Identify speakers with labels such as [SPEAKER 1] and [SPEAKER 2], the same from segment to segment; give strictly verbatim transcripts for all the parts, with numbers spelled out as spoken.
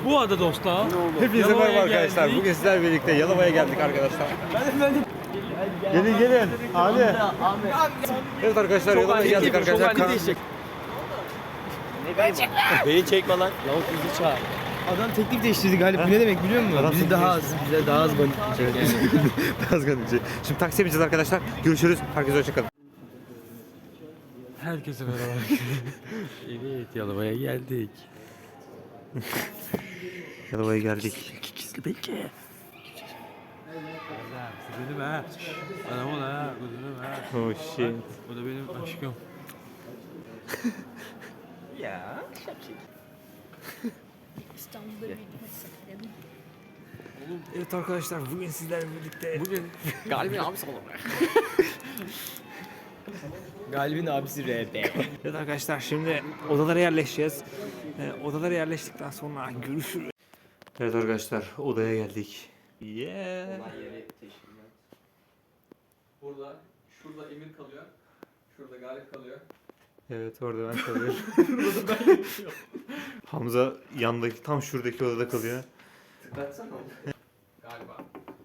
[SPEAKER 1] Bu arada dostlar.
[SPEAKER 2] Hepinize merhaba arkadaşlar. Bugün sizlerle birlikte Yalova'ya geldik arkadaşlar. Gelin gelin. Abi. Evet arkadaşlar Yalova'ya geldik arkadaşlar.
[SPEAKER 1] Beni çekme lan. Lavuk bizi çağır.
[SPEAKER 3] Adam teklif değiştirdi Galip. Bu ne demek biliyor musun?
[SPEAKER 2] Adam
[SPEAKER 3] Bizi
[SPEAKER 2] teklif
[SPEAKER 3] daha az, bize daha az balık yiyecek yani.
[SPEAKER 2] Biraz garipçi. Şimdi taksiye bineceğiz arkadaşlar. Görüşürüz. Herkese hoşçakalın.
[SPEAKER 1] Herkese merhaba. Evet, Yalova'ya geldik.
[SPEAKER 2] Yalova'ya geldik.
[SPEAKER 1] Kikisli belki. Benim ha. Anam o da, kuzunum ha.
[SPEAKER 2] Oh shit.
[SPEAKER 1] O da benim aşkım.
[SPEAKER 3] Ya, şapşik.
[SPEAKER 4] İstanbul'da bir seferim.
[SPEAKER 2] Evet arkadaşlar bugün sizlerle birlikte.
[SPEAKER 1] Bugün Galip'in abisi olur.
[SPEAKER 3] Galip'in abisi R B.
[SPEAKER 2] Evet arkadaşlar şimdi odalara yerleşeceğiz. Ee, odalara yerleştikten sonra görüşürüz. Evet arkadaşlar odaya geldik. Yeah.
[SPEAKER 5] Burada, şurada Emir kalıyor. Şurada Galip kalıyor.
[SPEAKER 2] Evet orada ben kalıyorum. Hamza yandaki tam şuradaki odada kalıyor.
[SPEAKER 5] Tıklatsana onu. Galiba.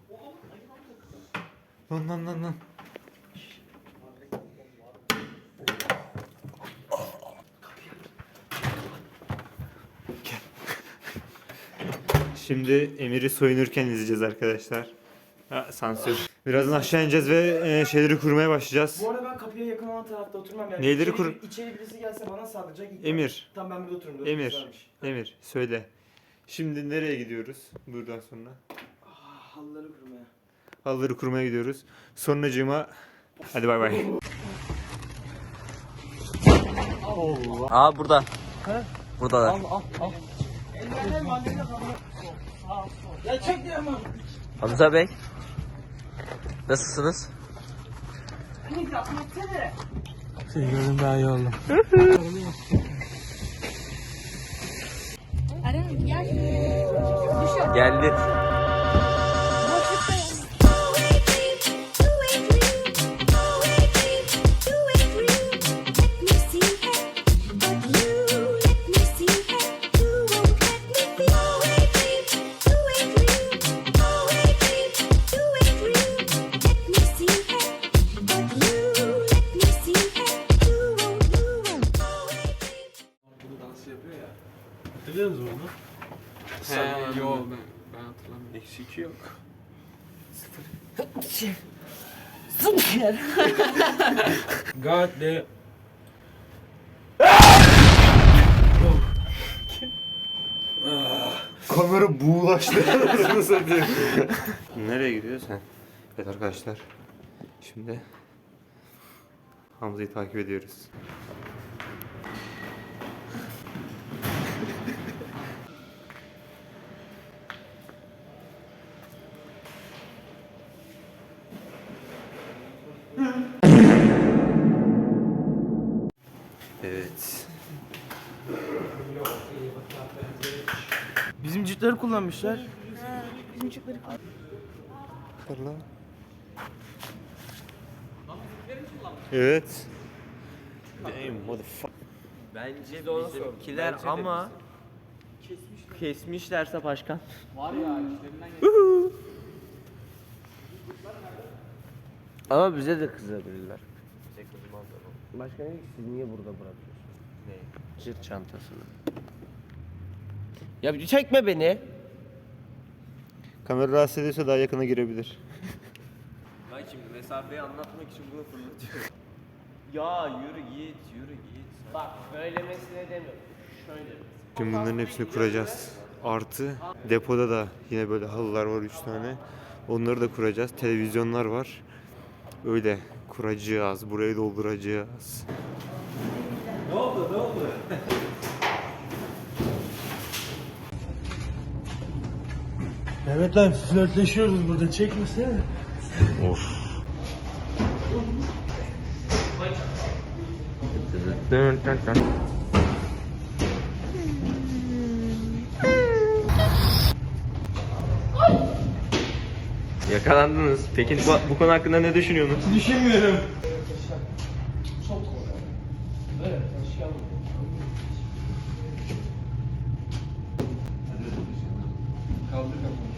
[SPEAKER 2] Lan lan lan lan. Gel. Şimdi Emir'i soyunurken izleyeceğiz arkadaşlar. Ha, sansür. Birazdan aşağı ineceğiz ve e, şeyleri kurmaya başlayacağız.
[SPEAKER 3] Bu arada ben kapıya yakın olan tarafta oturmam yani.
[SPEAKER 2] Neyleri
[SPEAKER 3] İçeri-
[SPEAKER 2] kur-
[SPEAKER 3] İçeri birisi gelse bana saldıracak. İlk
[SPEAKER 2] Emir.
[SPEAKER 3] Tamam ben burada otururum.
[SPEAKER 2] Emir. Emir söyle. Şimdi nereye gidiyoruz buradan sonra?
[SPEAKER 3] Ah, halıları kurmaya.
[SPEAKER 2] Halıları kurmaya gidiyoruz. Sonracığıma hadi bay bay.
[SPEAKER 6] Aa burada. Buradalar.
[SPEAKER 3] Ya çek diyorum abi.
[SPEAKER 6] Hamza Bey. Nasılsınız?
[SPEAKER 1] Seni gördüm daha iyi oldum.
[SPEAKER 4] Aren gel. Düşüyor.
[SPEAKER 6] Geldi.
[SPEAKER 4] Boşlukta yani.
[SPEAKER 1] Hatırlıyor musun onu?
[SPEAKER 5] He, yo ben, ben hatırlamıyorum.
[SPEAKER 1] Eksik yok. God damn.
[SPEAKER 2] Kamera buğulaştı. Nereye gidiyorsun sen? Evet arkadaşlar. Şimdi Hamza'yı takip ediyoruz. Evet.
[SPEAKER 3] Bizim cütleri kullanmışlar.
[SPEAKER 4] Bizim çocukları
[SPEAKER 2] Fırla. Evet. Damn motherfucker.
[SPEAKER 6] Bence bizimkiler ama kesmişlerse başkan.
[SPEAKER 5] Var ya işlerinden
[SPEAKER 6] Ama bize de kızabilirler. Bize kızmazlar. Başkan dedi ki siz niye burada bırakıyorsunuz? Ne? Sırt çantasını. Ya bir çekme beni.
[SPEAKER 2] Kamera rahatsız ediyorsa daha yakına girebilir.
[SPEAKER 6] Ben şimdi mesafeyi anlatmak için bunu fırlatıyorum. Ya yürü git, yürü git. Bak böylemesine demiyorum. Şöyle.
[SPEAKER 2] Şimdi bunların hepsini kuracağız. Artı depoda da yine böyle halılar var üç tane. Onları da kuracağız. Televizyonlar var. Öyle kuracağız. Burayı dolduracağız.
[SPEAKER 1] Ne oldu ne oldu?
[SPEAKER 3] Evet lan flörtleşiyoruz burada. Çekmesene.
[SPEAKER 2] Of.
[SPEAKER 6] Yakalandınız. Peki bu, bu konu hakkında ne düşünüyorsunuz?
[SPEAKER 3] Düşünmüyorum.
[SPEAKER 5] Kaldır kafanı.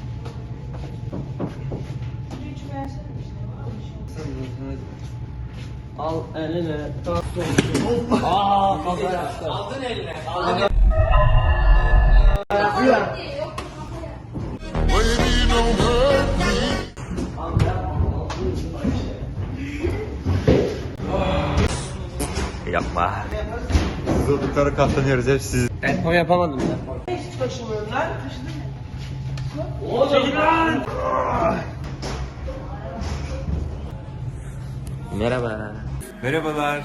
[SPEAKER 6] Al eline. Aa kafa yaptı. Aldın eline. Aldın.
[SPEAKER 1] Yapma.
[SPEAKER 2] Zorluklara katlanıyoruz hep siz.
[SPEAKER 6] Ben tam yapamadım ben.
[SPEAKER 1] Merhaba.
[SPEAKER 2] Merhabalar.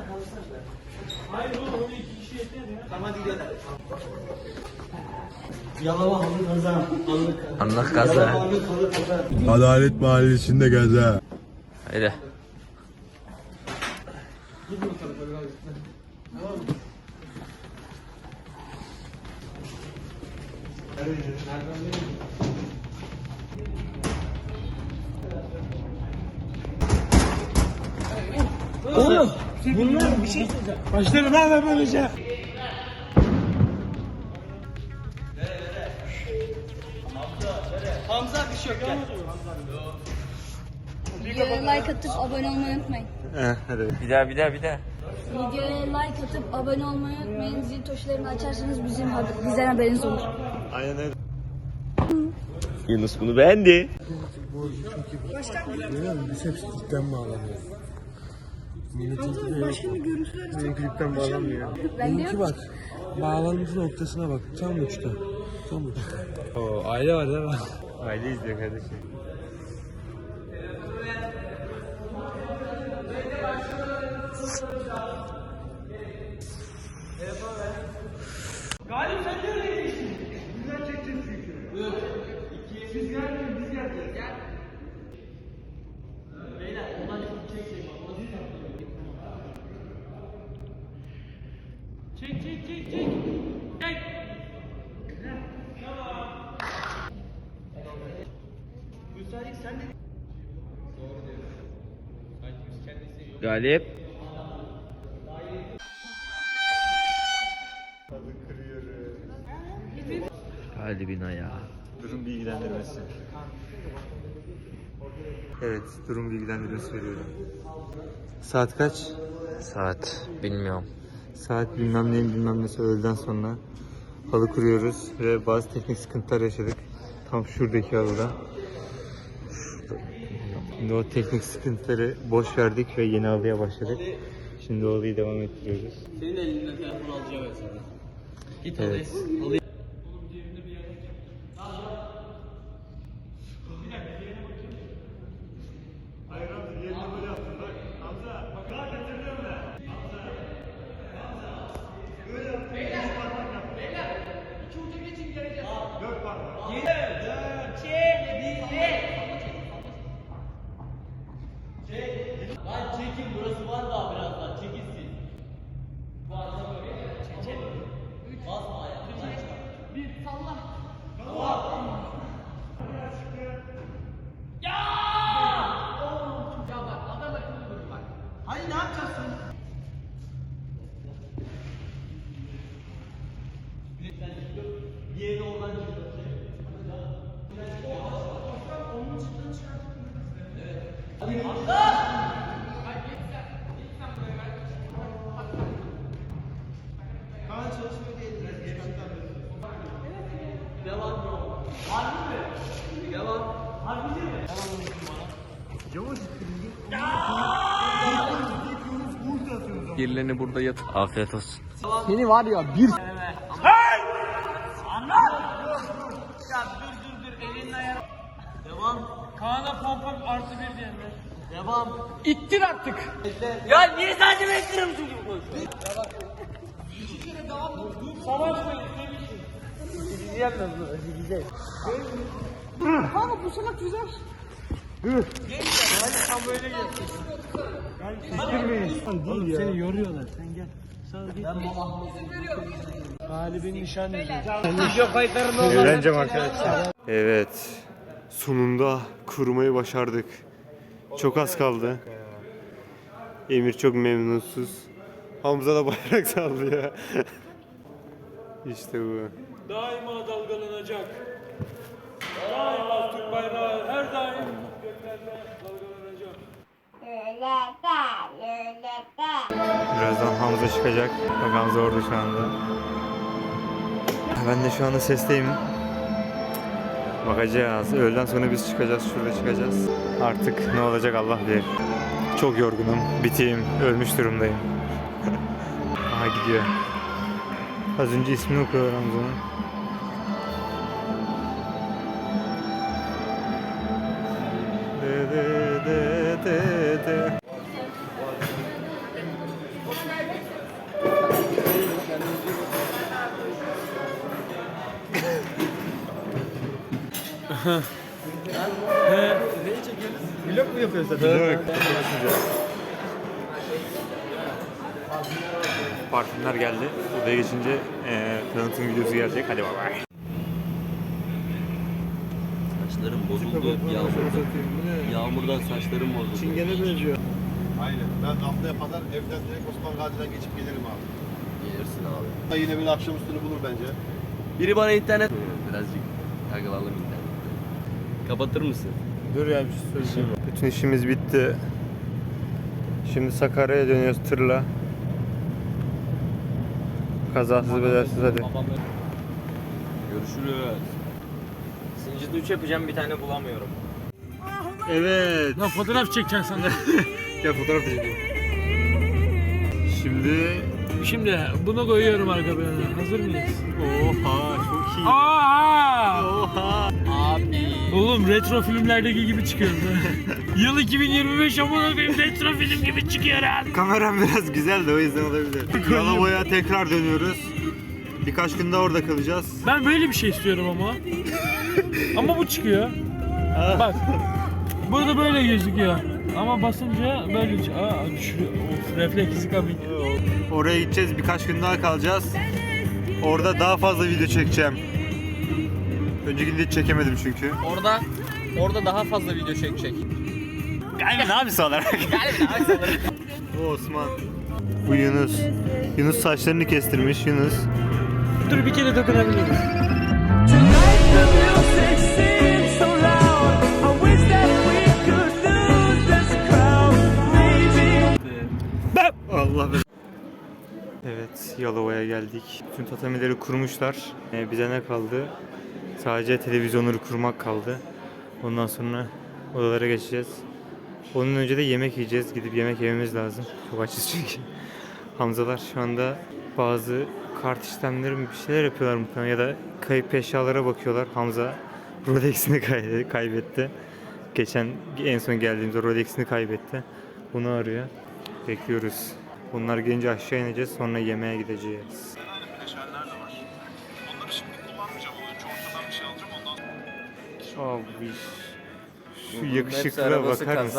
[SPEAKER 3] Yalova halı kaza.
[SPEAKER 1] Allah kaza.
[SPEAKER 3] Halı kaza.
[SPEAKER 7] Adalet Mahallesi'nde gaza.
[SPEAKER 1] Haydi.
[SPEAKER 3] Oğlum bunlar bir şey söyleyeceğim. Başlarım hemen böyle şey. Hamza bir şey yok gel.
[SPEAKER 4] Videoya like atıp abone olmayı unutmayın.
[SPEAKER 2] Eh, hadi.
[SPEAKER 1] Bir daha bir daha bir daha.
[SPEAKER 4] Videoya like atıp abone olmayı unutmayın. Zil tuşlarını açarsanız bizim haber- bizden haberiniz olur.
[SPEAKER 2] Aynen öyle.
[SPEAKER 1] Yunus bunu beğendi.
[SPEAKER 3] Görüyor musun? Biz hepsi cidden bağlanıyor. Milletin başka bir görüntüler cidden bağlanmıyor.
[SPEAKER 4] Ben
[SPEAKER 3] Benimki
[SPEAKER 4] diyorum
[SPEAKER 3] bak. Bağlantı noktasına bak. Tam uçta. Tam uçta. Oo, aile var değil mi?
[SPEAKER 2] Aile izliyor kardeşim.
[SPEAKER 3] Galip sen de öyle geçtin. Güzel çekeceğiz çünkü. Dur. İki. Siz gelmeyin biz geleceğiz. Gel. Beyler ondan çok çekecek. Çek çek çek çek. Çek. Tamam. Müsaade sen de.
[SPEAKER 1] Galip. Galibin ayağı.
[SPEAKER 2] Durum bilgilendirmesi. Evet, durum bilgilendirmesi veriyorum. Saat kaç?
[SPEAKER 1] Saat bilmiyorum.
[SPEAKER 2] Saat bilmem neyin bilmem nesi öğleden sonra halı kuruyoruz ve bazı teknik sıkıntılar yaşadık. Tam şuradaki halıda. Şimdi o teknik sıkıntıları boş verdik ve yeni halıya başladık. Şimdi o halıyı devam ettiriyoruz.
[SPEAKER 6] Senin elinden telefon alacağım ben sana. Git
[SPEAKER 2] Evet.
[SPEAKER 6] alayım. Lan çekin burası var daha birazdan çekilsin. Basma ayağını. Bir salla. Ya! Ya bak adam akıllı dur bak.
[SPEAKER 3] Hayır ne yapacaksın?
[SPEAKER 6] Bir yere oradan çıkıyor.
[SPEAKER 3] Kaan çalışmıyor diye.
[SPEAKER 6] Devam. Harbi mi? Devam. Harbi mi?
[SPEAKER 1] Birilerini burada yat. Afiyet olsun.
[SPEAKER 3] Seni var ya bir...
[SPEAKER 6] Hey! Anlat! Ya dur dur dur elinin ayarı. Devam.
[SPEAKER 3] Kaan'a pompam artı bir diyenler.
[SPEAKER 6] Devam.
[SPEAKER 3] İttir artık.
[SPEAKER 6] Ya niye sadece bekliyorum çocuk bu?
[SPEAKER 3] Savaşmayın demişim.
[SPEAKER 4] Kanka bu salak güzel.
[SPEAKER 3] Oğlum seni yoruyorlar. Sen gel. Sağ git. Galibin nişanlısı. Video kayıtlarında
[SPEAKER 2] Eğleneceğim arkadaşlar. Evet. Sonunda kurmayı başardık. Çok az kaldı. Emir çok memnunsuz. Hamza da bayrak sallıyor. İşte bu.
[SPEAKER 3] daima dalgalanacak.
[SPEAKER 2] Birazdan Hamza çıkacak. Bak Hamza orada şu anda. Ben de şu anda sesteyim. Bakacağız. Öğleden sonra biz çıkacağız. Şurada çıkacağız. Artık ne olacak Allah bilir. Çok yorgunum. Biteyim. Ölmüş durumdayım. Aha gidiyor. Az önce ismini okuyorlar Hamza'nın. De de de de de.
[SPEAKER 3] Vlog mu yapıyorsun?
[SPEAKER 2] Vlog. Parfümler geldi. Odaya geçince eee tanıtım videosu gelecek. Hadi bay bay.
[SPEAKER 1] Saçlarım bozuldu yağmurdan. Yağmurdan saçlarım bozuldu.
[SPEAKER 3] Çingene benziyor.
[SPEAKER 8] Aynen. Ben haftaya kadar evden direkt Osman Gazi'den geçip gelirim abi.
[SPEAKER 1] Gelirsin abi.
[SPEAKER 8] Da yine bir akşam üstünü bulur bence.
[SPEAKER 1] Biri bana internet... Birazcık takılalım internet. Kapatır mısın?
[SPEAKER 3] Dur ya bir şey söyleyeceğim.
[SPEAKER 2] Bütün işimiz bitti. Şimdi Sakarya'ya dönüyoruz tırla. Kazasız bedelsiz hadi.
[SPEAKER 1] Görüşürüz.
[SPEAKER 6] Zincirli üç yapacağım bir tane bulamıyorum.
[SPEAKER 2] Evet.
[SPEAKER 3] Lan fotoğraf çekeceksin sen de.
[SPEAKER 2] Gel fotoğraf çekelim. Şimdi
[SPEAKER 3] Şimdi bunu koyuyorum arka plana. Hazır mıyız?
[SPEAKER 2] oha çok iyi.
[SPEAKER 3] Aa!
[SPEAKER 2] Oha.
[SPEAKER 1] Abi.
[SPEAKER 3] Oğlum retro filmlerdeki gibi çıkıyor. Yıl iki bin yirmi beş amına koyayım retro film gibi çıkıyor ha.
[SPEAKER 2] Kameram biraz güzel de o yüzden olabilir. Yalova'ya tekrar dönüyoruz. Birkaç gün daha orada kalacağız.
[SPEAKER 3] Ben böyle bir şey istiyorum ama. Ama bu çıkıyor. Bak. Burada böyle gözüküyor. Ama basınca böyle aa düşürüyor. Of refleksi kabin.
[SPEAKER 2] Oraya gideceğiz, birkaç gün daha kalacağız. Orada daha fazla video çekeceğim. Öncekinde hiç çekemedim çünkü.
[SPEAKER 6] Orada orada daha fazla video çekecek.
[SPEAKER 2] Galiba abisi olarak.
[SPEAKER 6] Galiba abisi olarak.
[SPEAKER 2] Bu Osman. Bu Yunus. Yunus saçlarını kestirmiş Yunus.
[SPEAKER 3] Dur bir kere dokunabilirim.
[SPEAKER 2] Allah be. Evet, Yalova'ya geldik. Bütün tatamileri kurmuşlar. Ee, bize ne kaldı? Sadece televizyonları kurmak kaldı. Ondan sonra odalara geçeceğiz. Onun önce de yemek yiyeceğiz. Gidip yemek yememiz lazım. Çok açız çünkü. Hamzalar şu anda bazı kart işlemleri mi bir şeyler yapıyorlar muhtemelen ya da kayıp eşyalara bakıyorlar. Hamza Rolex'ini kay- kaybetti. Geçen en son geldiğimizde Rolex'ini kaybetti. Bunu arıyor. Bekliyoruz. Bunlar gelince aşağı ineceğiz, sonra yemeğe gideceğiz. Abi şu yakışıklığa bakar mısın?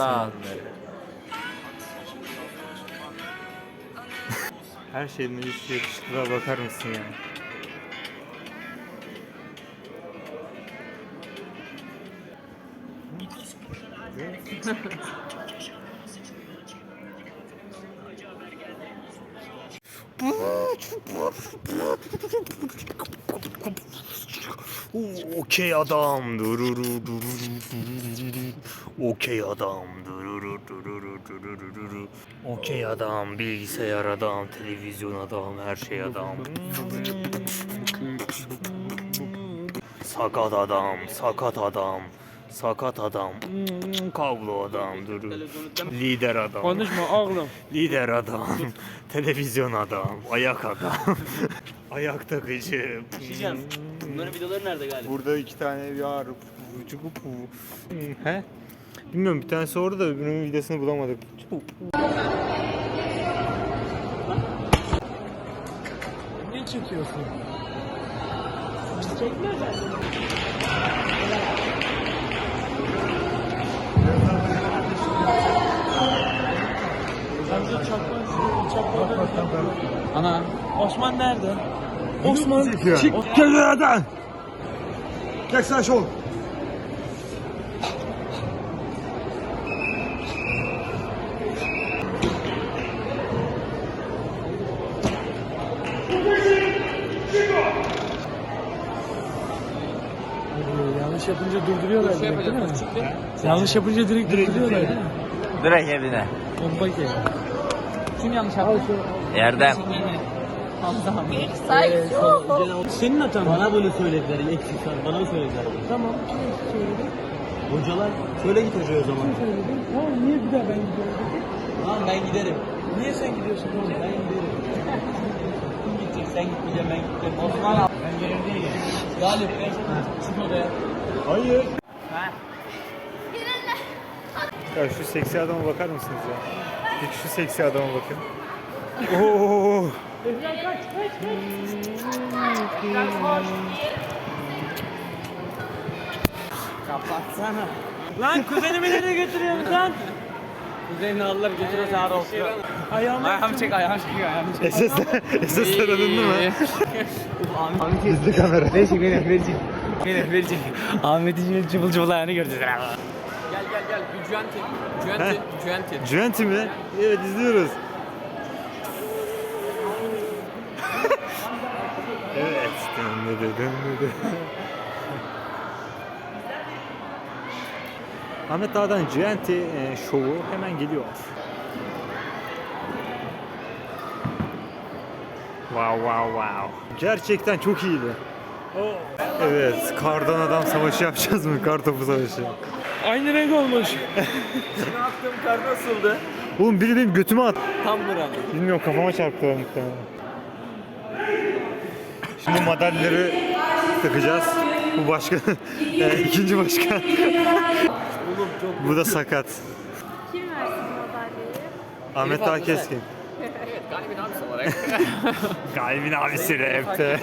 [SPEAKER 2] Her şeyden önce şu yakışıklığa bakar mısın ya? Okey adam. Dururu dururu. Okey adam. Dururu dururu dururu. Okey adam, bilgisayar adam, televizyon adam, her şey adam. Sakat adam, sakat adam. Sakat adam, kablo adam, durur. Lider adam.
[SPEAKER 3] Konuşma oğlum.
[SPEAKER 2] Lider adam, televizyon adam, ayak adam, ayak takıcı.
[SPEAKER 6] Bunların videoları nerede galiba?
[SPEAKER 2] Burada iki tane var. He? Bilmiyorum, bir tanesi orada da öbürünün videosunu bulamadık.
[SPEAKER 3] Ne çekiyorsun? Ana. Osman nerede? Osman çık.
[SPEAKER 7] Gel nereden? Gel sen şol.
[SPEAKER 3] Yanlış yapınca durduruyorlar direkt değil mi? Yanlış yapınca direkt durduruyorlar değil mi?
[SPEAKER 6] Direkt evine.
[SPEAKER 3] Bomba ki.
[SPEAKER 5] Kim yanlış yaptı?
[SPEAKER 6] Erdem.
[SPEAKER 3] Senin hatan. Bana bunu söylediler. Eksik var. Bana mı söylediler? Tamam.
[SPEAKER 6] Hocalar söyle git hocaya o zaman.
[SPEAKER 3] Tamam niye bir daha ben gidiyorum?
[SPEAKER 6] Tamam ben giderim.
[SPEAKER 3] Niye sen gidiyorsun? Tamam ben giderim.
[SPEAKER 6] Kim gidecek sen gitmeyeceksin ben gideceğim. Osman ben gelirim diye gel. Galip çık odaya.
[SPEAKER 2] Hayır. Ya şu seksi adama bakar mısınız ya? Peki şu seksi adama bakın. Oo.
[SPEAKER 6] Kapatsana.
[SPEAKER 3] Lan kuzenimi nereye götürüyorsun lan?
[SPEAKER 6] Kuzenini alırlar götürür sağa olsun.
[SPEAKER 3] Ayağımı
[SPEAKER 5] Ayağımı çek, ayağımı çek, ayağımı çek.
[SPEAKER 2] S S S alındı mı? Gizli kamera.
[SPEAKER 5] Verecek, verecek, verecek. Verecek, verecek. Ahmet'in cıvıl cıvıl ayağını göreceğiz. Gel gel gel. Juenti. Juenti. Juenti.
[SPEAKER 2] Juventus mi? Evet izliyoruz. Evet. Dönmedi dönmedi. Ahmet Dağ'dan Juventus e, şovu hemen geliyor. Wow wow wow. Gerçekten çok iyiydi. Evet, kardan adam savaşı yapacağız mı? Kartopu savaşı.
[SPEAKER 3] Aynı renk olmuş.
[SPEAKER 6] Ne yaptığım kar nasıldı?
[SPEAKER 2] Oğlum biri benim götüme at.
[SPEAKER 6] Tam buram.
[SPEAKER 2] Bilmiyorum kafama çarptı o muhtemelen. Şimdi madalyaları takacağız. Bu başkan, e, ikinci başkan. Bu da sakat.
[SPEAKER 9] Kim versin madalyayı?
[SPEAKER 2] Ahmet Dağ Keskin.
[SPEAKER 5] Evet, Galip'in abisi olarak.
[SPEAKER 2] Galibin abisi rapte.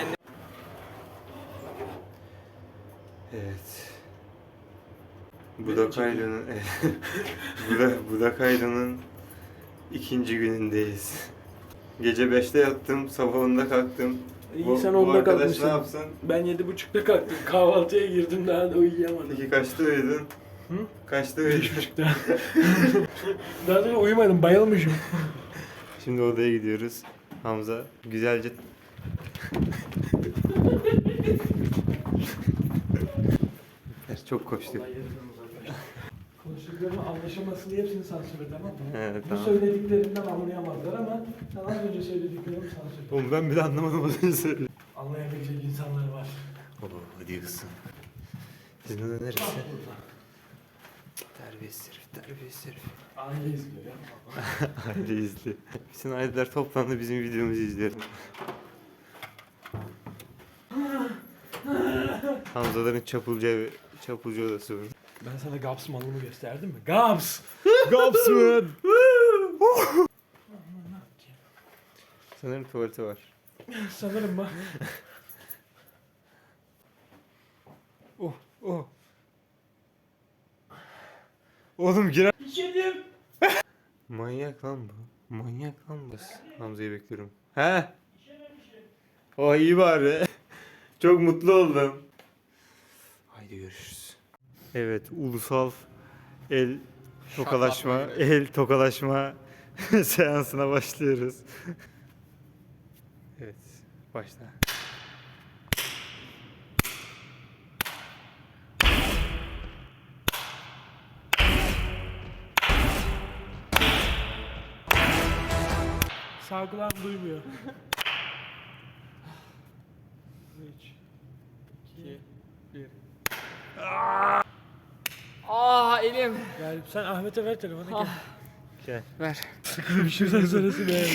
[SPEAKER 2] Evet. Budakaylı'nın Buda- Budakaylı'nın ikinci günündeyiz. Gece beşte yattım, sabah onda kalktım.
[SPEAKER 3] İyi sen
[SPEAKER 2] bu
[SPEAKER 3] onda
[SPEAKER 2] arkadaş
[SPEAKER 3] kalkmışsın.
[SPEAKER 2] ne yapsın?
[SPEAKER 3] Ben yedi buçukta kalktım. Kahvaltıya girdim daha da uyuyamadım.
[SPEAKER 2] Peki kaçta uyudun?
[SPEAKER 3] Hı?
[SPEAKER 2] Kaçta
[SPEAKER 3] Beş
[SPEAKER 2] uyudun?
[SPEAKER 3] buçukta. Daha sonra uyumadım, bayılmışım.
[SPEAKER 2] Şimdi odaya gidiyoruz. Hamza güzelce... Çok koştuk.
[SPEAKER 3] Konuştuklarımı anlaşılmasın diye hepsini sansürle, tamam mı?
[SPEAKER 2] Evet,
[SPEAKER 3] Bu
[SPEAKER 2] tamam.
[SPEAKER 3] söylediklerinden anlayamazlar ama sen az önce söylediklerimi sansürle.
[SPEAKER 2] Oğlum ben bile anlamadım az önce söyledi.
[SPEAKER 3] Anlayabilecek insanlar var.
[SPEAKER 2] Oo diyorsun. Sizin oda neresi? Terbiyesiz herif, terbiyesiz herif.
[SPEAKER 3] Aile izliyor ya.
[SPEAKER 2] Aile izliyor. Bütün aileler toplandı bizim videomuzu izliyor. Hamzaların çapulcu evi, çapulcu odası var.
[SPEAKER 3] Ben sana Gaps malımı gösterdim mi? Gaps!
[SPEAKER 2] Gapsman! Sanırım tuvaleti var.
[SPEAKER 3] Sanırım bak.
[SPEAKER 2] Oh, oh. Oğlum girer.
[SPEAKER 3] İçerim.
[SPEAKER 2] Manyak lan bu. Manyak lan bu. Hamza'yı bekliyorum. He? Oh iyi bari. Çok mutlu oldum. Haydi görüşürüz. Evet, ulusal el tokalaşma, el tokalaşma seansına başlıyoruz. Evet, başla.
[SPEAKER 3] Sağ kulağım duymuyor. üç, iki, bir.
[SPEAKER 5] Aa elim.
[SPEAKER 3] Galip sen Ahmet'e ver telefonu gel.
[SPEAKER 2] Gel.
[SPEAKER 5] Ver.
[SPEAKER 3] Bir şeyden sonrası be.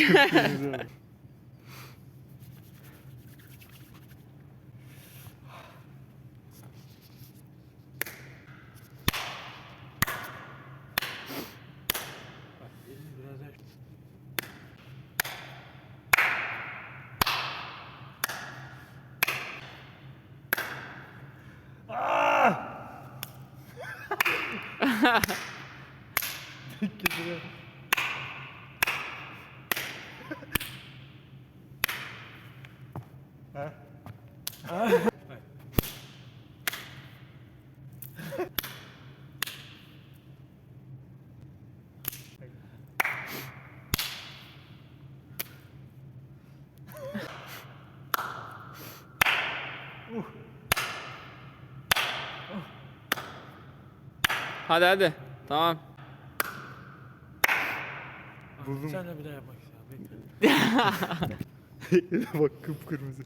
[SPEAKER 5] Hadi hadi. Tamam.
[SPEAKER 2] Buldum.
[SPEAKER 3] Sen de bir daha yapmak istiyorum. Bekle.
[SPEAKER 2] Bak kıpkırmızı.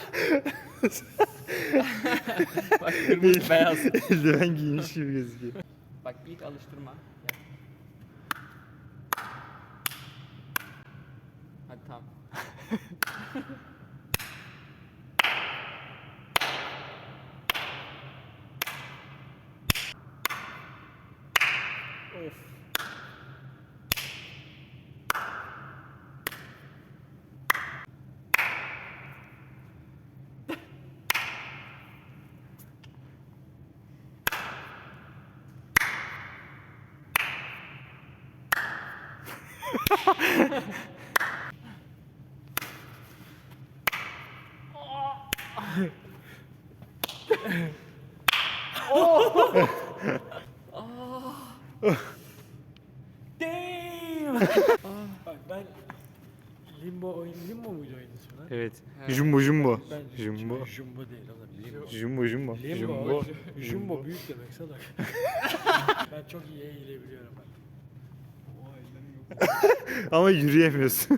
[SPEAKER 5] Bak kırmızı beyaz.
[SPEAKER 2] Eldiven giymiş gibi gözüküyor.
[SPEAKER 5] Bak ilk alıştırma. Gel. Hadi tamam.
[SPEAKER 3] Of. Damn. Bak ben Limbo oyun Limbo muydu oyunun ismi lan?
[SPEAKER 2] Evet. Jumbo jumbo.
[SPEAKER 3] Ben
[SPEAKER 2] Jumbo.
[SPEAKER 3] Jumbo değil oğlum. Limbo.
[SPEAKER 2] Jumbo jumbo.
[SPEAKER 3] Limbo.
[SPEAKER 2] Jumbo.
[SPEAKER 3] Jumbo büyük demek salak. Ben çok iyi eğilebiliyorum bak.
[SPEAKER 2] Ama yürüyemiyorsun.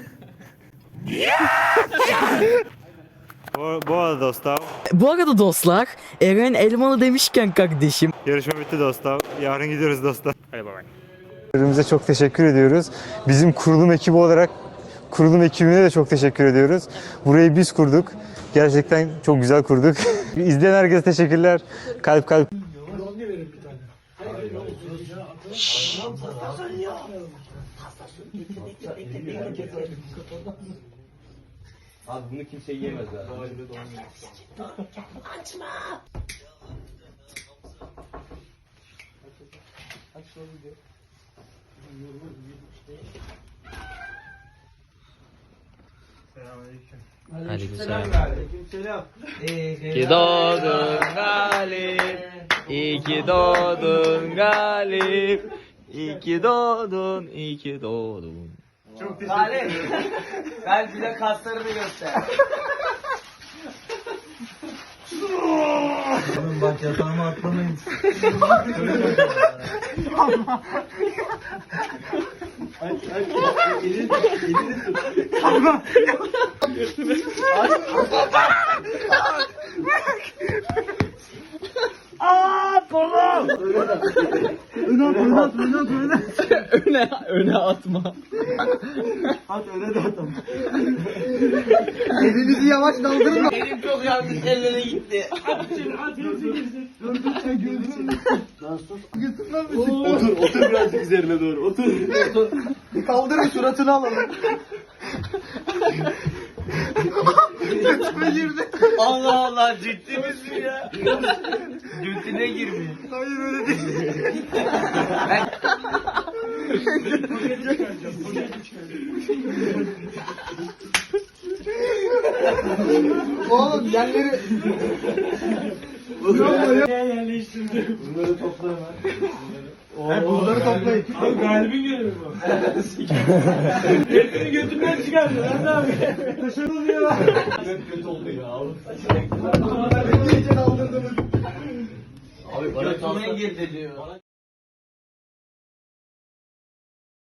[SPEAKER 2] bu, bu arada dostlar,
[SPEAKER 10] Bu arada dostlar, Eren Elmalı demişken kardeşim.
[SPEAKER 2] yarışma bitti dostlar. Yarın gidiyoruz dostlar. Hadi bay bay. Ürünümüze çok teşekkür ediyoruz. Bizim kurulum ekibi olarak kurulum ekibine de çok teşekkür ediyoruz. Burayı biz kurduk. Gerçekten çok güzel kurduk. İzleyen herkese teşekkürler. Kalp kalp.
[SPEAKER 6] Abi bunu kimse yiyemez ya.
[SPEAKER 5] İki doğdun Galip. İki doğdun Galip. İki doğdun, iki doğdun.
[SPEAKER 6] Galip. Gel bize kaslarını göster.
[SPEAKER 7] Oğlum bak yatağıma atlamayın. Aç aç. Elini elini tut. Allah. Aaa kolum. Öne at öne at öne at öne at.
[SPEAKER 5] öne, öne atma.
[SPEAKER 7] At öne de atam. Elinizi yavaş kaldırın.
[SPEAKER 6] Benim çok yanlış ellere gitti.
[SPEAKER 7] Dur dur sen gördün. Lan sus. Götürmem misin? Otur otur birazcık üzerine doğru. Otur. Otur. Bir kaldırın suratını alalım. Götüme girdi.
[SPEAKER 6] Allah Allah ciddi misin ya? Götüne girmiyor.
[SPEAKER 7] Hayır öyle değil. Oğlum yerleri... Bunları
[SPEAKER 3] Yerleştirdim.
[SPEAKER 7] Bunları topla hemen. He bunları toplayın.
[SPEAKER 3] Abi Galip'in görevi bu. Hepsini götünden çıkardı lan abi. Taşır oluyor.
[SPEAKER 7] Çok kötü oldu ya.
[SPEAKER 6] Abi bana girdi diyor.